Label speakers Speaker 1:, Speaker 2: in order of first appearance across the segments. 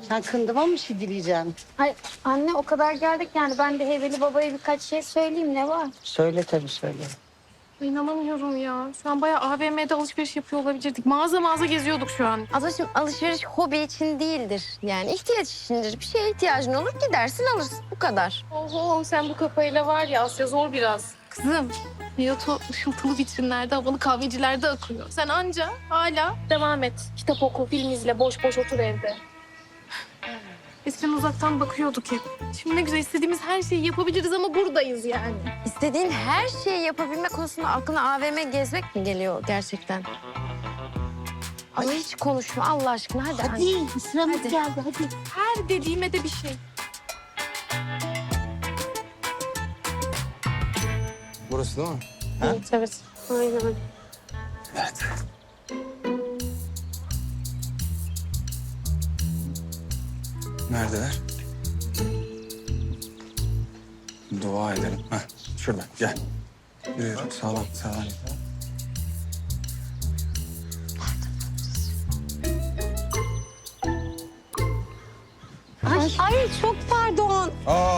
Speaker 1: Sen kındıma mı şey dileyeceksin?
Speaker 2: Ay anne o kadar geldik yani ben de Heybeli Baba'ya birkaç şey söyleyeyim ne var?
Speaker 1: Söyle tabii söyle.
Speaker 3: İnanamıyorum ya. Şu an bayağı AVM'de alışveriş yapıyor olabilirdik. Mağaza mağaza geziyorduk şu an.
Speaker 4: Ablacığım alışveriş hobi için değildir. Yani ihtiyaç içindir. Bir şeye ihtiyacın olur gidersin alırsın. Bu kadar.
Speaker 3: Oho sen bu kafayla var ya Asya zor biraz. Kızım hayat o ışıltılı vitrinlerde, havalı kahvecilerde akıyor. Sen anca hala devam et. Kitap oku, film izle, boş boş otur evde. Eskiden uzaktan bakıyorduk hep. Şimdi ne güzel istediğimiz her şeyi yapabiliriz ama buradayız yani.
Speaker 4: İstediğin her şeyi yapabilme konusunda aklına AVM gezmek mi geliyor gerçekten? Ay hiç konuşma Allah aşkına hadi.
Speaker 1: Hadi sıramız
Speaker 4: Hadi.
Speaker 1: geldi hadi.
Speaker 3: Her dediğime de bir şey.
Speaker 5: Burası değil mi?
Speaker 3: Evet, evet. Aynen.
Speaker 5: Evet. Neredeler? Dua edelim. Heh, şurada gel. Yürü sağlam sağlam.
Speaker 1: Ay çok pardon.
Speaker 5: Aa,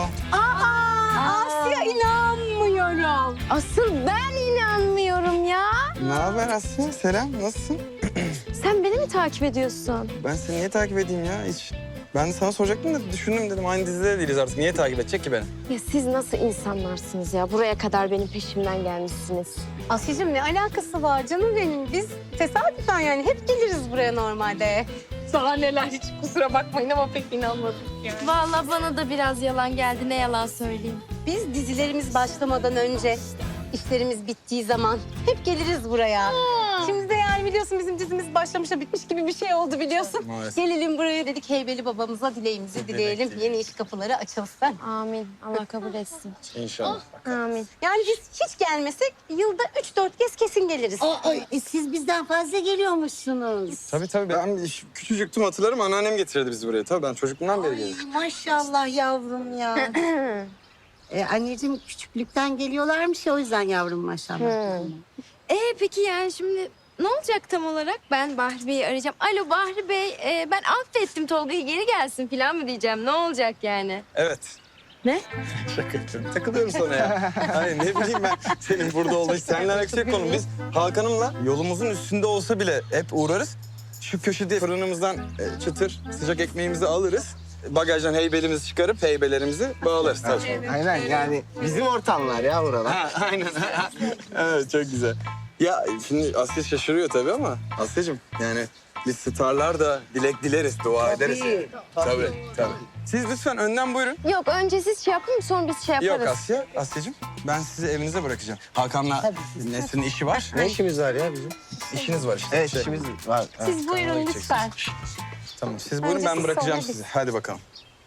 Speaker 1: Asya inanmıyorum.
Speaker 4: Asıl ben inanmıyorum ya.
Speaker 5: ne haber Asya? Selam, nasılsın?
Speaker 4: Sen beni mi takip ediyorsun?
Speaker 5: Ben seni niye takip edeyim ya hiç? Ben de sana soracaktım da düşündüm dedim aynı dizide değiliz artık. Niye takip edecek ki beni?
Speaker 4: Ya siz nasıl insanlarsınız ya? Buraya kadar benim peşimden gelmişsiniz.
Speaker 1: Asya'cığım ne alakası var canım benim? Biz tesadüfen yani hep geliriz buraya normalde.
Speaker 3: Daha neler hiç kusura bakmayın ama pek inanmadım yani.
Speaker 4: Vallahi bana da biraz yalan geldi. Ne yalan söyleyeyim.
Speaker 1: Biz dizilerimiz başlamadan önce, işlerimiz bittiği zaman hep geliriz buraya. Şimdi de yani biliyorsun bizim dizimiz başlamış da bitmiş gibi bir şey oldu biliyorsun.
Speaker 5: Maalesef.
Speaker 1: Gelelim buraya dedik Heybeli babamıza dileğimizi dileyelim. Yeni iş kapıları açılsın.
Speaker 4: Amin. Allah kabul etsin.
Speaker 5: İnşallah.
Speaker 4: Amin.
Speaker 1: Yani biz hiç gelmesek yılda 3-4 kez kesin geliriz.
Speaker 6: Siz bizden fazla geliyormuşsunuz.
Speaker 5: Tabii ben küçücüktüm hatırlarım anneannem getirdi bizi buraya. Tabii ben çocukluğumdan beri gelirim.
Speaker 6: Maşallah yavrum ya. Anneciğim küçüklükten geliyorlarmış ya o yüzden yavrum maşallah.
Speaker 4: Peki yani şimdi ne olacak tam olarak? Ben Bahri Bey'i arayacağım. Alo Bahri Bey, ben affettim Tolga'yı geri gelsin falan mı diyeceğim? Ne olacak yani?
Speaker 5: Evet.
Speaker 4: Ne?
Speaker 5: Şaka yapıyorum. Takılıyorum sana ya. Hayır ne bileyim ben senin burada olduğu seninle alakası yok konu. Biz Hakan'ımla yolumuzun üstünde olsa bile hep uğrarız. Şu köşede fırınımızdan çıtır sıcak ekmeğimizi alırız. Bagajdan heybelimizi çıkarıp heybelerimizi bağlarız tabii.
Speaker 7: Aynen yani bizim ortamlar ya buralar.
Speaker 5: Ha, aynen. Evet çok güzel. Ya şimdi Asya şaşırıyor tabii ama Asya'cığım yani biz starlar da dilek dileriz, dua ederiz. Yani. Tabii. Siz lütfen önden buyurun.
Speaker 4: Yok önce siz şey yapın sonra biz şey yaparız.
Speaker 5: Yok Asya'cığım ben sizi evinize bırakacağım. Hakan'la Nesrin'in işi var.
Speaker 7: Ne işimiz var ya bizim?
Speaker 5: İşiniz var işte.
Speaker 7: Evet işimiz var.
Speaker 1: Siz buyurun lütfen.
Speaker 5: Tamam siz buyurun
Speaker 1: Önce
Speaker 5: ben
Speaker 1: siz,
Speaker 5: bırakacağım
Speaker 1: sonra
Speaker 5: sizi. Hadi bakalım.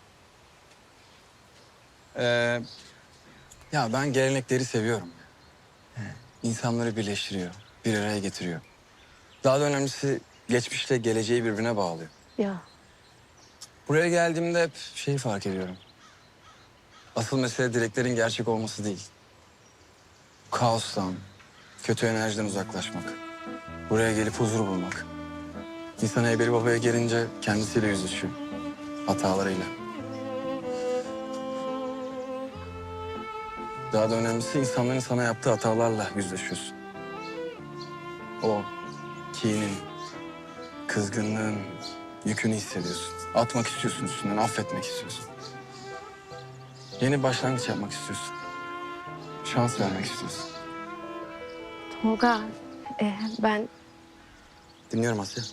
Speaker 5: Ya ben gelenekleri seviyorum. İnsanları birleştiriyor, bir araya getiriyor. Daha da önemlisi geçmişle geleceği birbirine bağlıyor.
Speaker 4: Ya.
Speaker 5: Buraya geldiğimde hep şeyi fark ediyorum. Asıl mesele dileklerin gerçek olması değil. Kaostan, kötü enerjiden uzaklaşmak. Buraya gelip huzur bulmak. İnsan Heybeli Baba'ya gelince kendisiyle yüzleşiyor. Hatalarıyla. Daha da önemlisi insanların sana yaptığı hatalarla yüzleşiyorsun. O kinin, kızgınlığın yükünü hissediyorsun. Atmak istiyorsun üstünden, affetmek istiyorsun. Yeni başlangıç yapmak istiyorsun. Şans vermek istiyorsun.
Speaker 4: Tolga, ben...
Speaker 5: Dinliyorum Asya.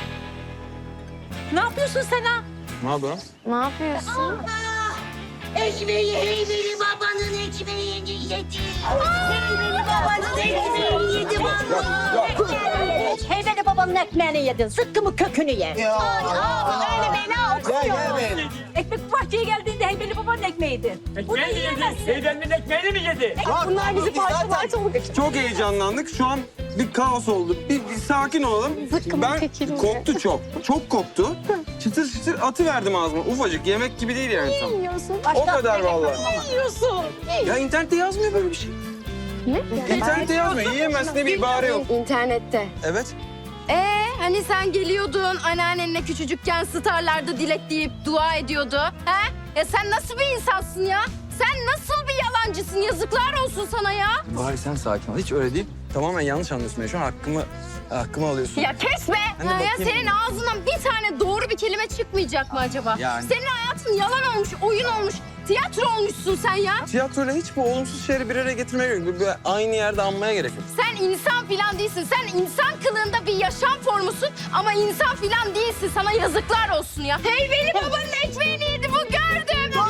Speaker 1: Ne yapıyorsun sen ha?
Speaker 5: Ne yapıyorsun?
Speaker 4: Ne yapıyorsun?
Speaker 6: Ekmeği Heybeli babanın ekmeğini yedi. Heybeli babanın ekmeğini yedi vallahi.
Speaker 1: Heybeli babamın ekmeğini yedin. Sıkkımı kökünü ye.
Speaker 7: Ya.
Speaker 1: Öyle bela okuyor.
Speaker 7: Gel be.
Speaker 1: Ekmek bahçeye geldiğinde Heybeli babanın ekmeğiydi. Bunu yiyemezsin.
Speaker 8: Teyzemin ekmeğini mi yedi?
Speaker 1: Bunlar bizi parça
Speaker 5: Çok heyecanlandık. Şu an bir kaos oldu. Bir sakin olalım. Ben koktu çok. Çok koktu. Çıtır çıtır atıverdim ağzıma. Ufacık yemek gibi değil yani tam. O kadar vallahi.
Speaker 1: yiyorsun.
Speaker 5: Ya internette yazmıyor böyle bir şey.
Speaker 4: Ne?
Speaker 5: İnternette yazmıyor. Yiyemezsin diye bir ibare yok.
Speaker 4: İnternette.
Speaker 5: Evet.
Speaker 4: Hani Hani sen geliyordun anneannenle küçücükken starlarda dilek deyip dua ediyordu. He? Ya sen nasıl bir insansın ya? Sen nasıl bir yalancısın? Yazıklar olsun sana ya.
Speaker 8: Bahar sen sakin ol. Hiç öyle değil.
Speaker 5: Tamamen yanlış anlıyorsun beni. Şu an hakkımı alıyorsun.
Speaker 4: Ya kes be!
Speaker 5: Ben de
Speaker 4: Ha, ya
Speaker 5: bakayım.
Speaker 4: senin ağzından bir tane doğru bir kelime çıkmayacak mı acaba?
Speaker 5: Yani.
Speaker 4: Senin hayatın yalan olmuş, oyun olmuş, tiyatro olmuşsun sen ya.
Speaker 5: Tiyatroyla hiç bu olumsuz şeyleri bir araya getirmeye gerek yok. Böyle aynı yerde anmaya gerek yok.
Speaker 4: Sen insan filan değilsin. Sen insan kılığında bir yaşam formusun ama insan filan değilsin. Sana yazıklar olsun ya. Heybeli babanın ekmeğini yedi bu gördüm.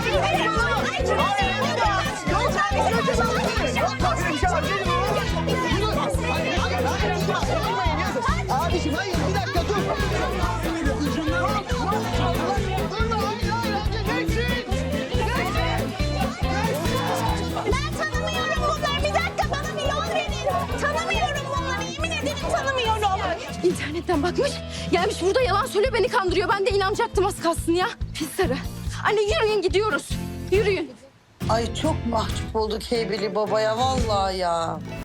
Speaker 7: Abiciğim hayır bir dakika dur.
Speaker 1: Ben tanımıyorum bunları. Bir dakika bana bir yol verin. Tanımıyorum bunları. Yemin ederim tanımıyorum.
Speaker 4: İnternetten bakmış, gelmiş burada yalan söylüyor, beni kandırıyor. Ben de inanacaktım az kalsın ya. Pis sarı. Anne yürüyün gidiyoruz. Yürüyün.
Speaker 9: Ay çok mahcup olduk Heybeli babaya vallahi ya.